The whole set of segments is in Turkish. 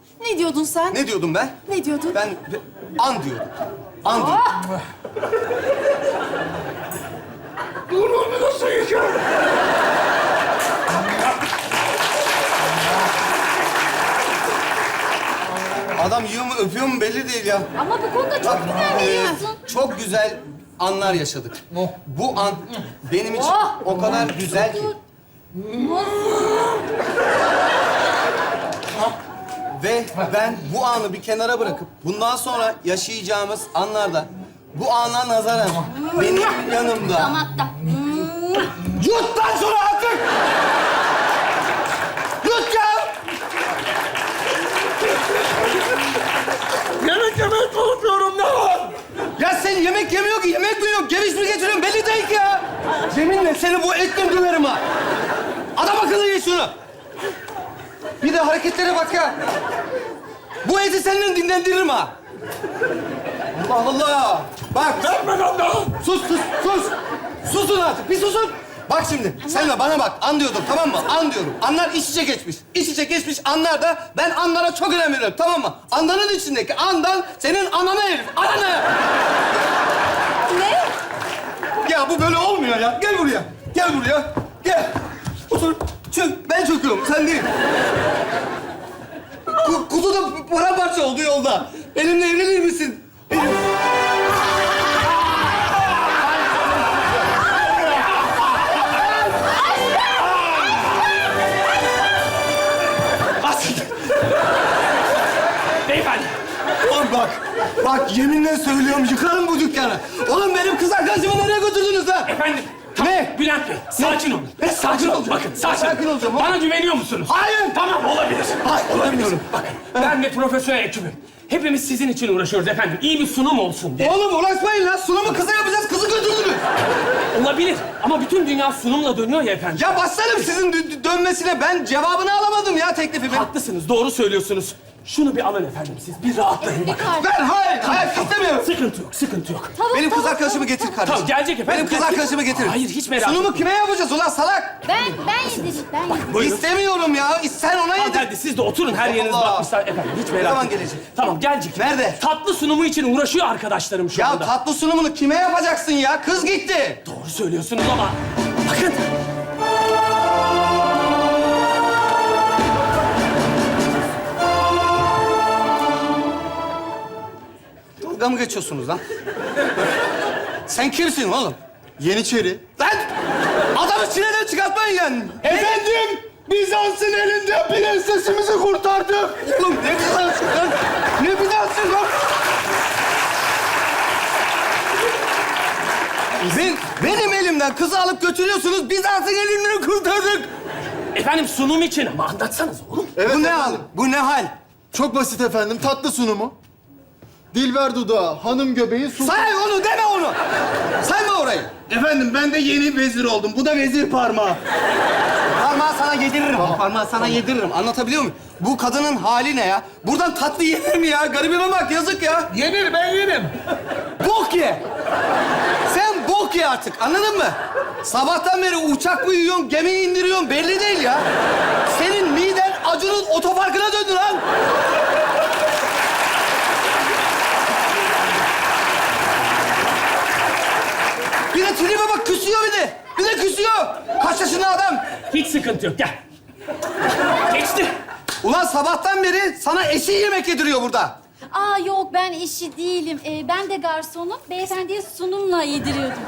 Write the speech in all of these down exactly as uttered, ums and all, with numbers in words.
Ne diyordun sen? Ne diyordum ben? Ne diyordun? Ben an diyordum. An diyordum. Ah! Bunu nasıl yiyeceğim? Adam yiyor mu, öpüyor mu belli değil ya. Ama bu konuda çok Bak, güzel e, biliyorsun. çok güzel anlar yaşadık. Bu an benim için Oh! o kadar güzel ki. Ve ben bu anı bir kenara bırakıp bundan sonra yaşayacağımız anlarda bu ana nazaran benim yanımda. Damakta. Yut lan şunu artık! Yut ya! Yemek yemeye çalışıyorum ne var? Ya sen yemek yemiyor ki, yemek mi yok? Geviş mi getiriyorsun? Belli değil ki ya! Yeminle seni bu etle döverim ha! Adam akıllı ye şunu! Bir de hareketlere bak ya! Bu eti seninle dinlendiririm ha! Allah Allah! Bak! Verme lan daha! Sus, sus, sus! Susun artık, bir susun! Bak şimdi, sen de bana bak, an diyordum, tamam mı? An diyorum. Anlar iç içe geçmiş. İç içe geçmiş anlar da ben anlara çok önem veriyorum, tamam mı? Anların içindeki andan senin ananı herif, ananı! Ne? Ya bu böyle olmuyor ya. Gel buraya, gel buraya, gel. Otur, çök. Ben çöküyorum, sen değil. Ku kutu da paramparça oldu yolda. Benimle evlenir misin? Benim... Beyefendi! Oğlum bak, bak yeminle söylüyorum yıkarım bu dükkanı. Oğlum benim kız arkadaşımı nereye götürdünüz lan? Efendim! Ne? Bülent Bey, sakin olun. Ne? Sakin olun. olacağım? Bakın, sakin. Sakin olacağım oğlum. Bana güveniyor musunuz? Hayır. Tamam, olabilir. Hayır, olamıyorum. Bakın, ben ve profesyonel ekibim. Hepimiz sizin için uğraşıyoruz efendim. İyi bir sunum olsun diye. Oğlum uğraşmayın lan. Sunumu kıza yapacağız. Kızı götürdünüz. Olabilir ama bütün dünya sunumla dönüyor ya efendim. Ya başlarım sizin dö- dönmesine. Ben cevabını alamadım ya teklifimin. Haklısınız, doğru söylüyorsunuz. Şunu bir alın efendim siz, bir rahatlayın. Bir Bakın. kalp. Ben hayır, hayır istemiyorum. Sıkıntı yok, sıkıntı yok. Tavuk, Benim kız tavuk, arkadaşımı tavuk, getir tavuk. kardeşim. Tamam, gelecek efendim. Benim kız gelecek. arkadaşımı getir. Hayır, hiç merak Sunumu etmeyin. kime yapacağız ulan salak? Ben, ben yedireyim, ben yedireyim. Buyurun. İstemiyorum ya. Sen ona yedir. Hanımefendi siz de oturun, her yeriniz Allah. bakmışlar. Efendim hiç merak zaman etmeyin. gelecek? Tamam, gelecek. Nerede? Tatlı sunumu için uğraşıyor arkadaşlarım şu Ya anda. tatlı sunumunu kime yapacaksın ya? Kız gitti. Doğru söylüyorsunuz ama bakın. Dalga mı geçiyorsunuz lan? Sen kimsin oğlum? Yeniçeri. Lan! Adamı çileden çıkartmayın yani. Efendim, Bizans'ın elinde prensesimizi kurtardık. Oğlum ne Bizans'ın lan? Ne Bizans'ın lan? Ben, benim elimden kızı alıp götürüyorsunuz. Bizans'ın elinden kurtardık. Efendim sunum için ama anlatsanız oğlum. Evet Bu ne hal? efendim. Bu ne hal? Çok basit efendim, tatlı sunumu. Dilber dudağı, hanım göbeği, su... Say onu, deme onu. Sayma orayı. Efendim, ben de yeni vezir oldum. Bu da vezir parmağı. Parmağı sana yediririm. Parmağı sana yediririm. Anlatabiliyor muyum? Bu kadının hali ne ya? Buradan tatlı yenir mi ya? Garibime bak, yazık ya. Yenir, ben yerim. Bok ye. Sen bok ye artık, anladın mı? Sabahtan beri uçak mı yiyorsun, gemi indiriyorsun belli değil ya. Senin miden Acun'un otoparkına döndü lan. Bir de tribe bak, küsüyor bir de. Bir de küsüyor. Kaç yaşında adam? Hiç sıkıntı yok, gel. Geçti. Ulan sabahtan beri sana eşi yemek yediriyor burada. Aa yok, ben işi değilim. Ee, ben de garsonum. Beyefendiye sunumla yediriyordum.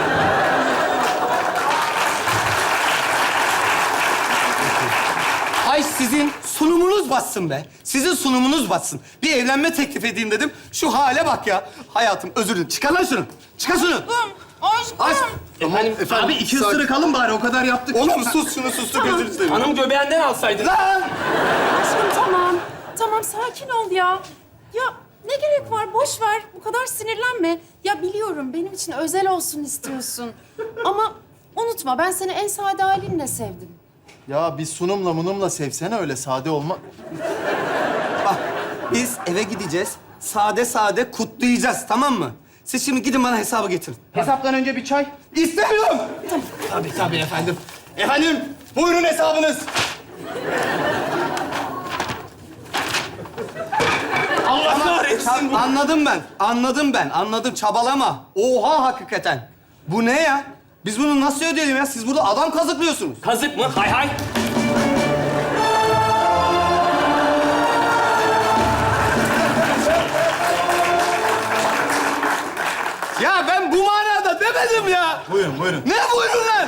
Ay sizin sunumunuz batsın be. Sizin sunumunuz batsın. Bir evlenme teklif edeyim dedim. Şu hale bak ya. Hayatım özür dilerim. Çıkar lan şunu. Çıkar şunu. Aşkım. Ay. Efendim, Efendim, abi iki ısırık alın bari, o kadar yaptık. Oğlum sus şunu sus. Gözünü seveyim. hanım göbeğinden alsaydın. Lan! Aşkım tamam. Tamam sakin ol ya. Ya ne gerek var? Boş ver. Bu kadar sinirlenme. Ya biliyorum benim için özel olsun istiyorsun. Ama unutma ben seni en sade halinle sevdim. Ya bir sunumla munumla sevsene, öyle sade olma. Bak biz eve gideceğiz. Sade sade kutlayacağız, tamam mı? Siz şimdi gidin bana hesabı getirin. Hesaptan önce bir çay. İstemiyorum. Tabii tabii efendim. Efendim, buyurun hesabınız. Çab- bu. anladım ben. Anladım ben. Anladım. Çabalama. Oha hakikaten. Bu ne ya? Biz bunu nasıl ödeyelim ya? Siz burada adam kazıklıyorsunuz. Kazık mı? Hay hay. Ya ben bu manada demedim ya. Buyurun, buyurun. Ne buyurun lan?